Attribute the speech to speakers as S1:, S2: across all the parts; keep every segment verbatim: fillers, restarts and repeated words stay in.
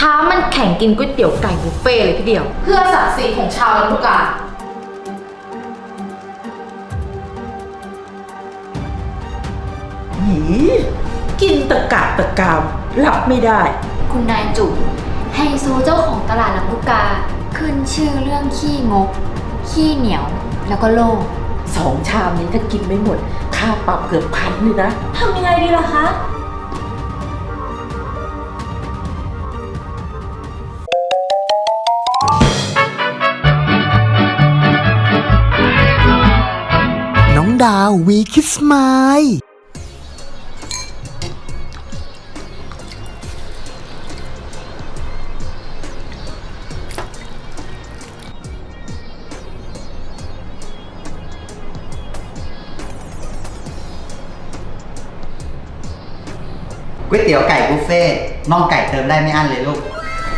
S1: ท้ามันแข่งกินก๋วยเตี๋ยวไก่บุฟเฟ่เลยทีเดียวเพื่อศักดิ์ศรีของชาวลำพูกา
S2: หีกินตะกะตะกามรับไม่ได้
S3: คุณนายจุ๋มไฮโซเจ้าของตลาดลำพูกาขึ้นชื่อเรื่องขี้งกขี้เหนียวแล้วก็โลภ
S2: สองชามนี้ถ้ากินไม่หมดค่าปรับเกือบพันเลยนะ
S3: ทำยังไงดีล่ะคะ
S4: น้องดาววีคิสไมล์
S5: ก๋วยเตี๋ยวไก่บุฟเฟ่น่องไก่เติมได้ไม่อั้นเลยลูก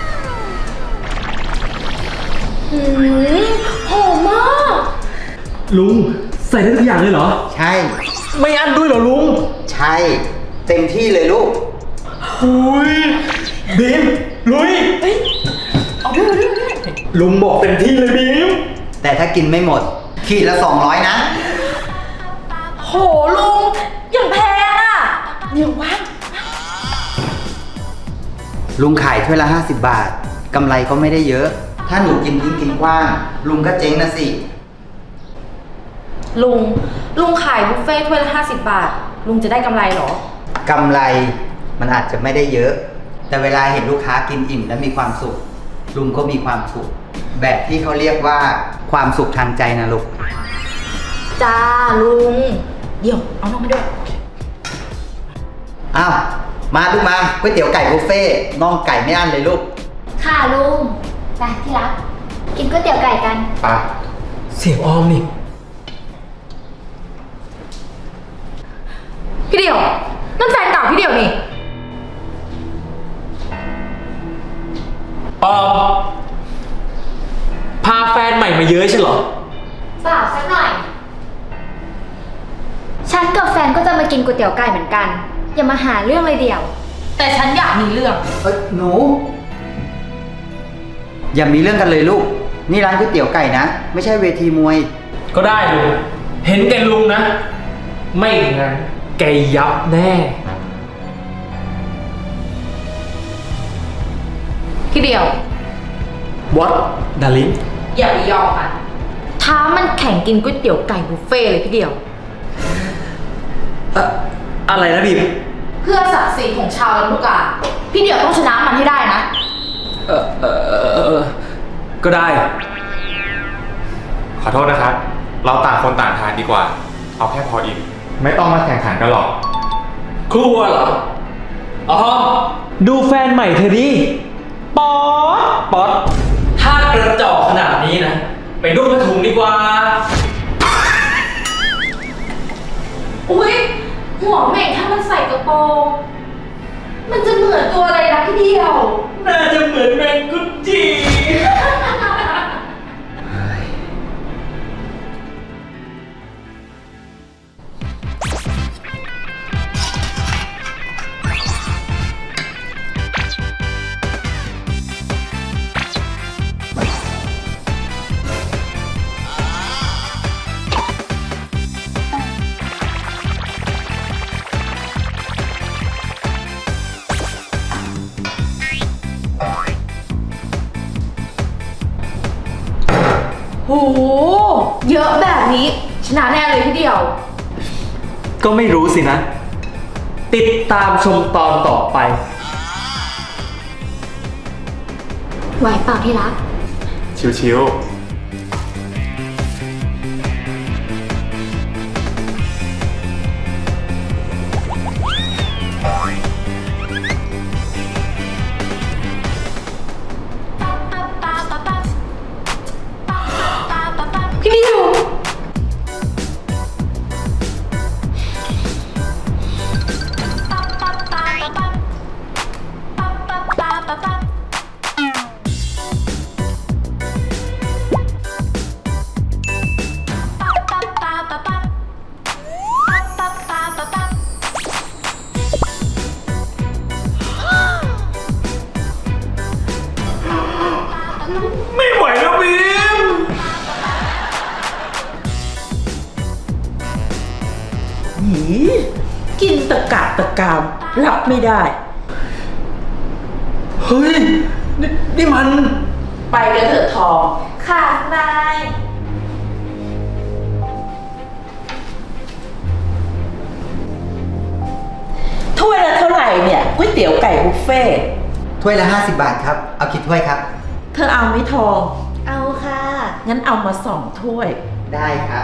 S1: หืมหอมมาก
S6: ลุงใส่ได้ทุกอย่างเลยเหรอ
S5: ใช่
S6: ไม่อั้นด้วยเหรอลุง
S5: ใช่เต็มที่เลยลูก
S6: หุยบีมลุย
S1: เอาด้วยด้วยด้วย
S6: ลุงบอกเต็มที่เลยบีม
S5: แต่ถ้ากินไม่หมดขีดละสองร้อยนะ
S1: โหลุงยังแพงอ่ะเดี๋ยววะ
S5: ลุงขายถ้วยละห้าสิบบาทกำไรก็ไม่ได้เยอะถ้าหนูกินทิ้งกินกว้างลุงก็เจ๊งนะสิ
S1: ลุงลุงขายบุฟเฟ่ถ้วยละห้าสิบบาทลุงจะได้กำไรเหรอก
S5: ำไรมันอาจจะไม่ได้เยอะ แต่เวลาเห็นลูกค้ากินอิ่มและมีความสุขลุงก็มีความสุขแบบที่เขาเรียกว่าความสุขทางใจนะลูก
S1: จ้าลุงเดี๋ยวเอาน้องมาด้วย
S5: อ้าวมาลูกมาก๋วยเตี๋ยวไก่บุฟเฟ่น่องไก่ไม่อั้นเลยลูก
S3: ค่ะลุงไปที่รักกินก๋วยเตี๋ยวไก่กัน
S5: ไป
S6: เสียงออมนี่
S1: พี่เดี่ยวนั่นแฟนเก่าพี่เดี่ยวนี่
S6: ออมพาแฟนใหม่มาเยอะใช่เหรอ
S3: เปล่าสักหน่อยฉันกับแฟนก็จะมากินก๋วยเตี๋ยวไก่เหมือนกันอย่ามาหาเรื่องเลยเดี่ยว
S1: แต่ฉันอยากมีเรื่อง
S5: เอ้ยหนูอย่ามีเรื่องกันเลยลูกนี่ร้านก๋วยเตี๋ยวไก่นะไม่ใช่เวทีมวย
S6: ก็ได้ลุงเห็นแกลุงนะไม่งั้นแกยับแน่
S1: พี่เดียว
S6: What darling
S1: อย่าไปยอมมันท้ามันแข่งกินก๋วยเตี๋ยวไก่บุฟเฟ่เลยพี่เดียว
S6: อะอะไรนะบีม
S1: เพื่อศักดิ์ศรีของชาวลำพูกาพี่เดียวต้องชนะมันให้ได้นะ
S6: เออเออเออก็ได้
S7: ขอโทษนะครับเราต่างคนต่างทานดีกว่าเอาแค่พออิ่มไม่ต้องมาแข่งขันกันหรอก
S6: ครัวเหรออ๋อดูแฟนใหม่เธอดิป๊อดป๊อดถ้ากระจอกขนาดนี้นะไปนุ่งผ้าถุงดีกว่า
S1: อุ๊ยหัวเหม่งถ้ามันใส่กระโปรงมันจะเหมือนตัวอะไรนะพี่เดียว
S6: น่าจะเหมือนแมงกุจี
S1: โหเยอะแบบนี้ชนะแน่เลยพี่เดียว
S6: ก็ไม่รู้สินะติดตามชมตอนต่อไป
S3: ไหวเปล่าที่รัก
S7: ชิวๆ
S1: พี่ดิว
S2: กามรับไม่ได้
S6: เฮ้ย นี่นี่มัน
S2: ไปกันเถอะทอง
S1: ค่ะนาย
S2: ถ้วยละเท่าไหร่เนี่ยก๋วยเตี๋ยวไก่บุฟเฟ่ต์
S5: ถ้วยละห้าสิบบาทครับ เอากี่ถ้วยครับ
S2: เธอเอาไหมทอง
S1: เอาค่ะ
S2: งั้นเอามาสองถ้วย
S5: ได้ครับ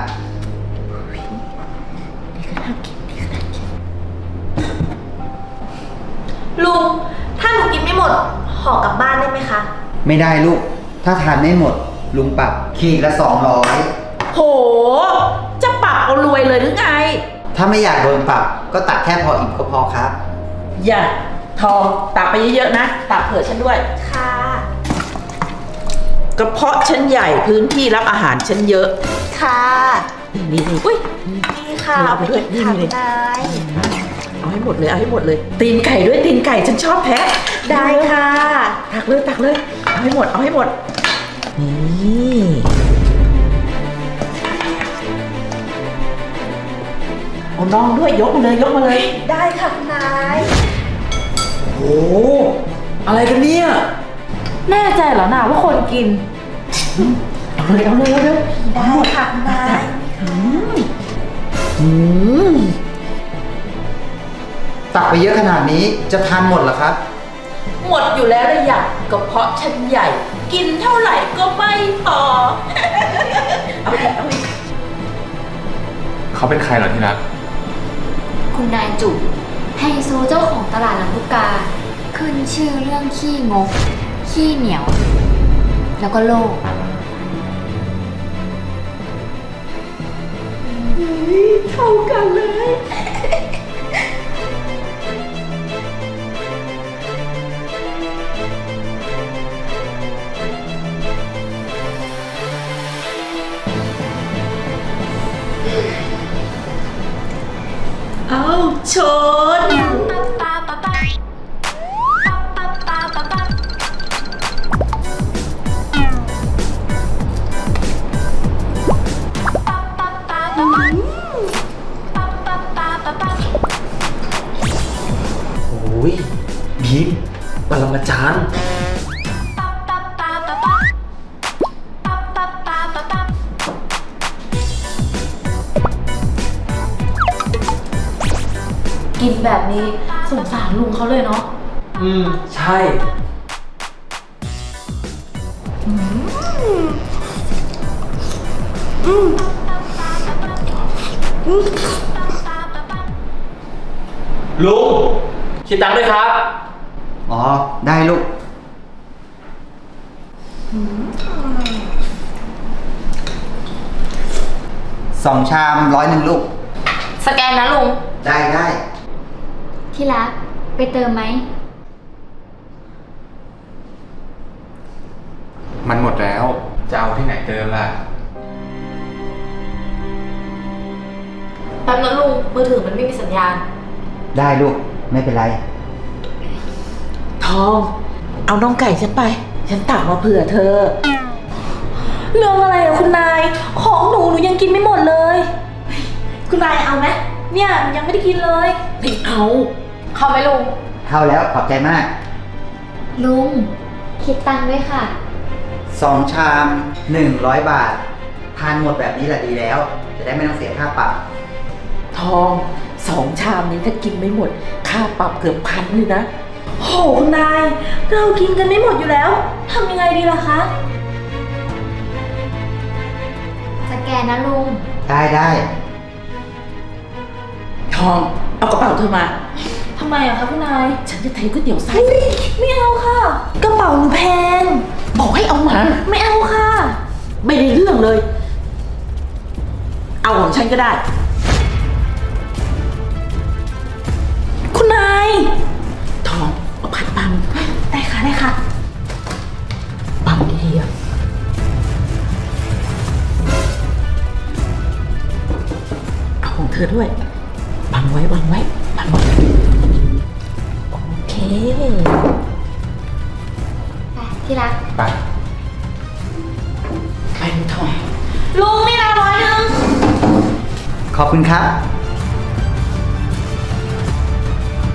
S1: ลุง ถ้าหนูกินไม่หมดห่อกลับบ้านได้ไหมคะ
S5: ไม่ได้ลูก ถ้าทานไม่หมด ลุงปรับขีดละสองร้อย
S2: โห จะปรับเอารวยเลยหรือไง
S5: ถ้าไม่อยากโดนปรับ ก็ตักแค่พออิ่มก็พอครับ
S2: อย่าทองตักไปเยอะๆนะ ตักเผื่อฉันด้วย
S1: ค่ะ
S2: กระเพาะฉันใหญ่พื้นที่รับอาหารฉันเยอะ
S1: ค่ะ
S2: นี่นี่นี่
S1: อุ้ยนี่ค่ะ
S2: เอาไปด้วย
S1: กิค่ะ
S2: นี่
S1: นาย
S2: เอาให้หมดเลยเอาให้หมดเลย ตีนไก่ด้วยตีนไก่ฉันชอบแท้
S1: ได้ค่ะ
S2: ตักเลยตักเลย เอาให้หมดเอาให้หมด นี่เอาน้องด้วยยกมาเลยยกมาเลย
S1: ได้ค่ะคุณนาย
S6: โอ้โห อะไรกันเนี่ย
S1: แน่ใจเหรอนาว่าคนกิน
S2: เอาเลยเอาเลยเอาเลย
S1: ได้ค่ะคุณนาย
S2: อืม
S5: ตักไปเยอะขนาดนี้จะทานหมดเหรอครับ
S2: หมดอยู่แล้วเลยอยากกระเพาะฉันใหญ่ กินเท่าไหร่ก็ไม่พอ เอาอีกเอาอีก
S7: เขาเป็นใครเหรอที่รัก
S3: คุณนายจุ๋มไฮโซเจ้าของตลาดลำลูกกา ขึ้นชื่อเรื่องขี้งก ขี้เหนียว แล้วก็โลภ
S2: เท่ากันเลย เอาชน
S6: โอ้ยบีมปรมาจารย์
S1: กินแบบนี้สงสารลุงเขาเลยเนาะ
S6: อืม ใช่ ลุง คิดตังค์ด้วยครับ
S5: อ๋อ ได้ลูก สองชามร้อยหนึ่งลูก
S1: สแกนนะลุง
S5: ได้ได้
S3: ที่รัก ไปเติมไหม
S7: มันหมดแล้ว จะเอาที่ไหนเติมล่ะ
S1: แป๊บนะลุง มือถือมันไม่มีสัญญาณ
S5: ได้ลูก ไม่เป็นไร
S2: ทอง เอาน้องไก่ฉันไป ฉันตักมาเผื่อเธอ
S1: เรื่องอะไรอะคุณนาย ของหนูหนูยังกินไม่หมดเลย คุณนายเอาไหมเนี่ยยังไม่ได้กินเลย
S2: ไม่เอา
S1: เข้าไหมลุง
S5: เข้าแล้วขอบใจมาก
S3: ลุง คิดตังค์ด้วยค่ะ
S5: สองชามหนึ่งร้อยบาท ทานหมดแบบนี้แหละดีแล้ว จะได้ไม่ต้องเสียค่าปรับ
S2: ทองสองชามนี้ถ้ากินไม่หมด ค่าปรับเกือบพันเลยนะ
S1: โหคุณนาย เรากินกันไม่หมดอยู่แล้วทำยังไงดีล่ะคะ
S3: สแกนนะลุง
S5: ได้ได้
S2: ทอง เอากระเป๋าเธอมา
S1: ทำไมอะคะคุณนาย
S2: ฉันจะเทก๋วยเตี๋ยวใส่
S1: ไม่เอาค่ะ กระเป๋าหนูแพง
S2: บอกให้เอามา
S1: ไม่เอาค่ะ
S2: ไม่ได้เรื่องเลย เอาของฉันก็ได้
S1: คุณนาย
S2: ทอง เอาพัดปั๊ม
S1: ได้ค่ะได้ค่ะ
S2: ปั๊มดีๆอะเอาของเธอด้วยบังไว้บังไว้บังไว้โอเค
S3: ไป ที่รัก
S7: ไป
S2: ไปเลยทอง
S1: ลุงนี่นะร้อยหนึ่ง
S5: ขอบคุณครับ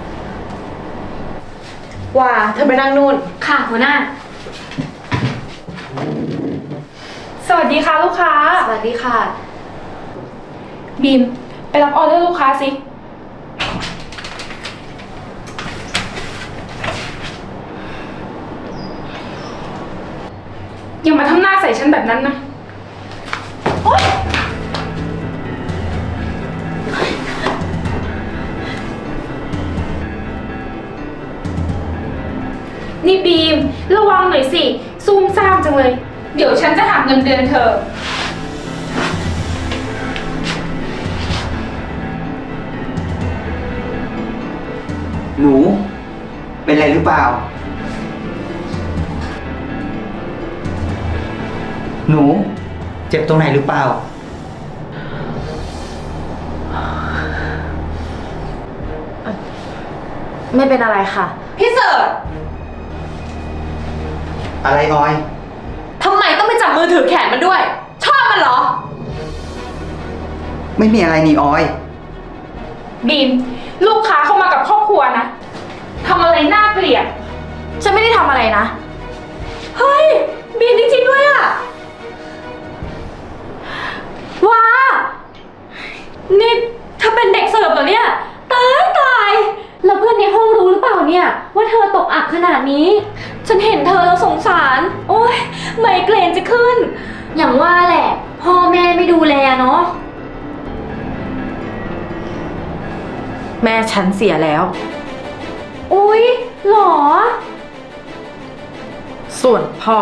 S1: ว่าเธอไปนั่งนู่น
S3: ค่ะหัวหน้า
S8: สวัสดีค่ะลูกค้า
S3: สวัสดีค่ะ
S8: บีม ไปรับออเดอร์ลูกค้าสิ อย่ามาทำหน้าใส่ฉันแบบนั้นนะ โอ๊ย นี่บีม ระวังหน่อยสิ ซูมซ่ามจังเลย เดี๋ยวฉันจะหักเงินเดือนเธอ
S5: หนู เป็นอะไรหรือเปล่า หนู เจ็บตรงไหนหรือเปล่า
S1: ไม่เป็นอะไรค่ะ พี่เสิร์ช
S5: อะไรออย
S1: ทำไมต้องไปจับมือถือแขนมันด้วย ชอบมันเหรอ
S5: ไม่มีอะไรนี่ออย
S8: บีม ลูกค้าเข้ามากับครอบครัวนะทำอะไรน่าเกลียด
S1: ฉันไม่ได้ทำอะไรนะ เฮ้ย บีมจริงๆด้วยอะว้า นี่เธอเป็นเด็กเสิร์ฟเหรอเนี่ย ตายตาย
S3: แล้วเพื่อนในห้องรู้หรือเปล่าเนี่ย ว่าเธอตกอับขนาดนี้
S1: ฉันเห็นเธอแล้วสงสาร โอ๊ย ไมเกรนจะขึ้น
S3: อย่างว่าแหละ พ่อแม่ไม่ดูแลเนาะ
S2: แม่ฉันเสียแล้ว
S3: อุ๊ยหรอ
S2: ส่วนพ่อ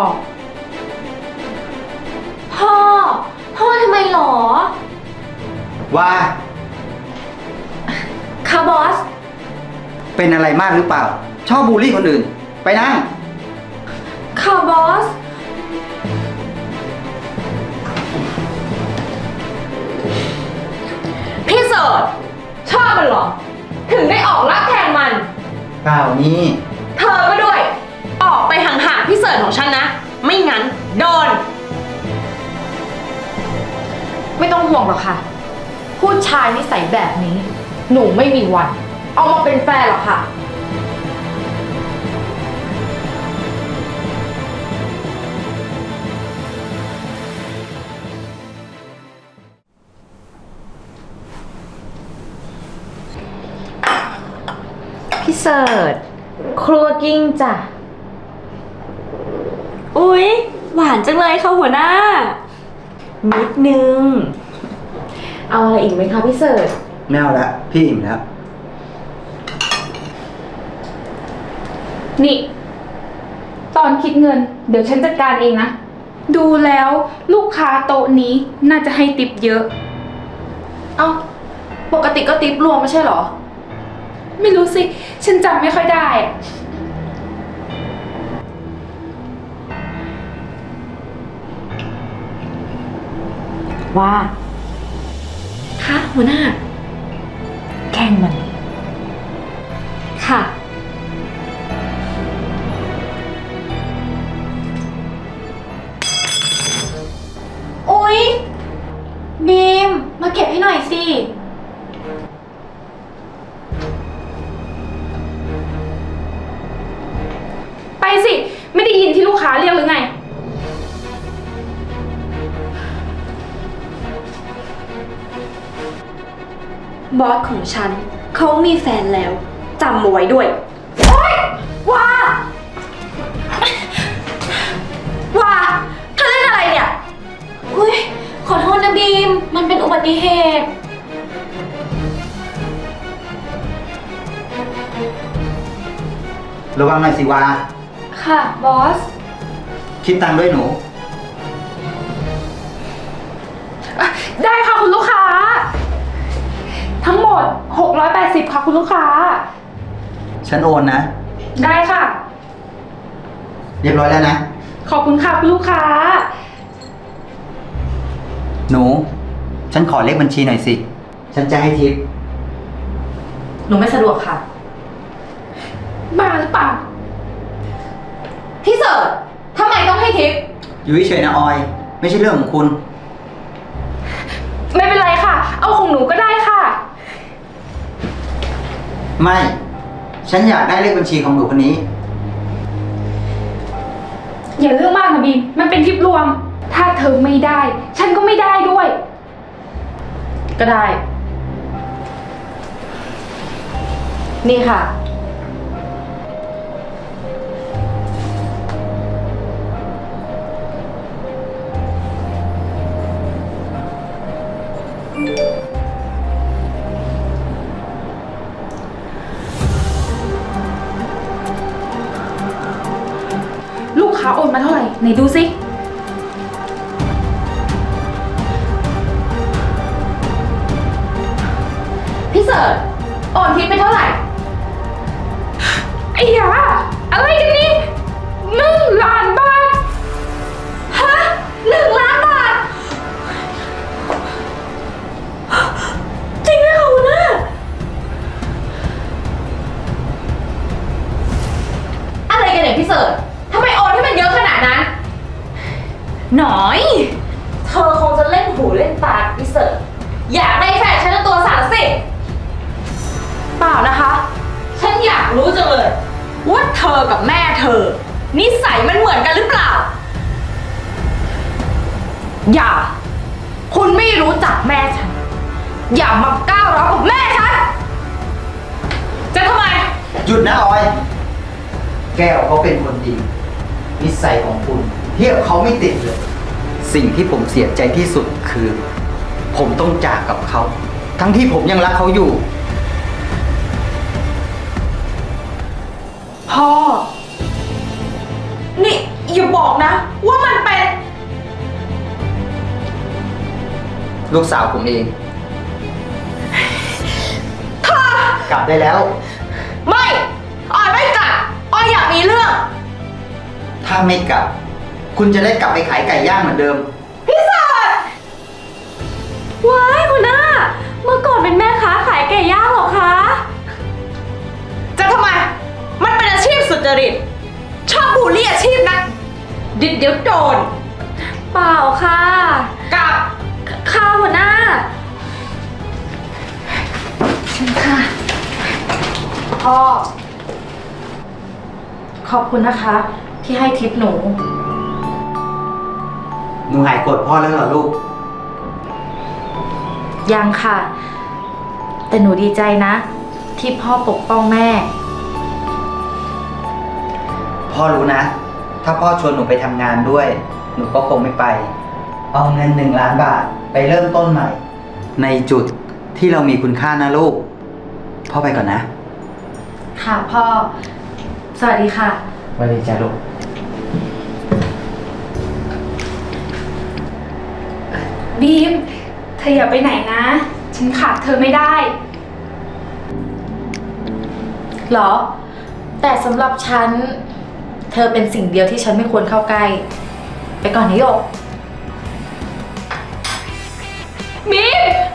S3: พ่อ พ่อทำไมหรอ
S5: ว่า
S3: คะบอส
S5: เป็นอะไรมากหรือเปล่า ชอบบูลลี่คนอื่น ไปนั่ง
S3: ค่ะบอส
S1: พี่เสิร์ชชอบมันเหรอ ถึงได้ออกลักแทนมัน
S5: เปล่านี่
S1: เธอก็ด้วย ออกไปห่างๆพี่เสิร์ชของฉันนะ ไม่งั้นโดน
S2: ไม่ต้องห่วงหรอกค่ะ ผู้ชายนิสัยแบบนี้ หนูไม่มีวัน เอามาเป็นแฟนหรอกค่ะ
S1: พี่เสิร์ชครัวกิ้งจ้ะ อุ๊ย หวานจังเลยค่ะหัวหน้า นิดนึง เอาอะไรอีกไหมคะพี่เสิร์ช
S5: ไม่เอาละ พี่อิ่มแล้ว
S8: นี่ ตอนคิดเงิน เดี๋ยวฉันจัดการเองนะ ดูแล้วลูกค้าโต๊ะนี้น่าจะให้ติปเยอะ
S2: เอ้า ปกติก็ติปรวมไม่ใช่เหรอ
S8: ไม่รู้สิ ฉันจำไม่ค่อยได้อะ
S2: ว่า
S3: คะหัวหน้า
S2: แกล้งมัน
S3: ค่ะ อุ๊ย บีม มาเก็บให้หน่อยสิ
S8: ไปสิ ไม่ได้ยินที่ลูกค้าเรียกหรือไง
S1: บอสของฉัน เขามีแฟนแล้วจำเอาไว้ด้วย โอ๊ยว้าว้าเธอเล่นอะไรเนี่ย
S3: อุ๊ย ขอโทษนะบีม มันเป็นอุบัติเหตุ
S5: ระวังหน่อยสิวา
S3: ค่ะ บอส
S5: คิดตังค์ด้วยหนู
S8: ได้ค่ะคุณลูกค้า ทั้งหมดหกร้อยแปดสิบค่ะคุณลูกค้า
S5: ฉันโอนนะ
S8: ได้ค่ะ
S5: เรียบร้อยแล้วนะ
S8: ขอบคุณค่ะคุณลูกค้า
S5: หนู ฉันขอเลขบัญชีหน่อยสิ ฉันจะให้ทิป
S2: หนูไม่สะดวกค่ะ
S8: บ้าหรือเปล่า
S1: พี่เสิร์ชทำไมต้องให้ทิป
S5: อยู่เฉยๆนะออย ไม่ใช่เรื่องของคุณ
S8: ไม่เป็นไรค่ะ เอาของหนูก็ได้ค่ะ
S5: ไม่ฉันอยากได้เลขบัญชีของหนูคนนี้
S8: อย่าเรื่องมากนะบีม มันเป็นทริปรวม ถ้าเธอไม่ได้ ฉันก็ไม่ได้ด้วย
S2: ก็ได้ นี่ค่ะ
S8: ลูกค้าโอนมาเท่าไหร่ ไหนดูสิ
S1: พี่เสิร์ชโอนทิปไปเท่าไหร่
S8: ไอ้ยาอะไรกันนี่หนึ่งล้านบาท
S1: ฮะหนึ่งล้านบาท จริงไหมคะหัวหน้าอะไรกันเนี่ยพี่เสิร์ชทำไมโอนให้มันเยอะขนาดนั้น หน่อย
S2: เธอคงจะเล่นหูเล่นตากับพี่เสิร์ฟ
S1: อยากได้แฟนฉันตัวสั่นสิ เปล่านะคะ ฉันอยากรู้จังเลย ว่าเธอกับแม่เธอ นิสัยมันเหมือนกันหรือเปล่า อย่า คุณไม่รู้จักแม่ฉัน อย่ามาก้าวร้าวกับแม่ฉัน จะทำไม
S5: หยุดนะออย แก้วเขาเป็นคนดี นิสัยของคุณเทียบเขาไม่ติดเลย สิ่งที่ผมเสียใจที่สุดคือ ผมต้องจากกับเขา ทั้งที่ผมยังรักเขาอยู่
S1: พ่อ นี่อย่าบอกนะ ว่ามันเป็น
S5: ลูกสาวผมเองกลับได้แล้ว
S1: ไม่ออยไม่กลับออยอยากมีเรื่อง
S5: ถ้าไม่กลับ คุณจะได้กลับไปขายไก่ย่างเหมือนเดิม
S1: พี่เสิร์ชว้ายคุณน้า เมื่อก่อนเป็นแม่ค้าขายไก่ย่างเหรอคะ จะทำไม มันเป็นอาชีพสุจริต ชอบบูลลี่อาชีพนะดิดเดี๋ยวโดน เปล่าค่ะ กับข้าวหัวหน้าฉันค่ะ
S2: พ่อ ขอบคุณนะคะ ที่ให้ทิปหนู
S5: หนูหายโกรธพ่อแล้วเหรอลูก
S2: ยังค่ะ แต่หนูดีใจนะ ที่พ่อปกป้องแม่
S5: พ่อรู้นะ ถ้าพ่อชวนหนูไปทำงานด้วย หนูก็คงไม่ไป เอาเงินหนึ่งล้านบาทไปเริ่มต้นใหม่ ในจุดที่เรามีคุณค่านะลูก พ่อไปก่อนนะ
S2: ค่ะพ่อ สวัสดีค่ะ
S5: สวัสดีจ้าลูก
S8: บีม เธออย่าไปไหนนะ ฉันขาดเธอไม่ได้
S2: เหรอ แต่สำหรับฉัน เธอเป็นสิ่งเดียวที่ฉันไม่ควรเข้าใกล้ ไปก่อนนะโยก
S8: บีม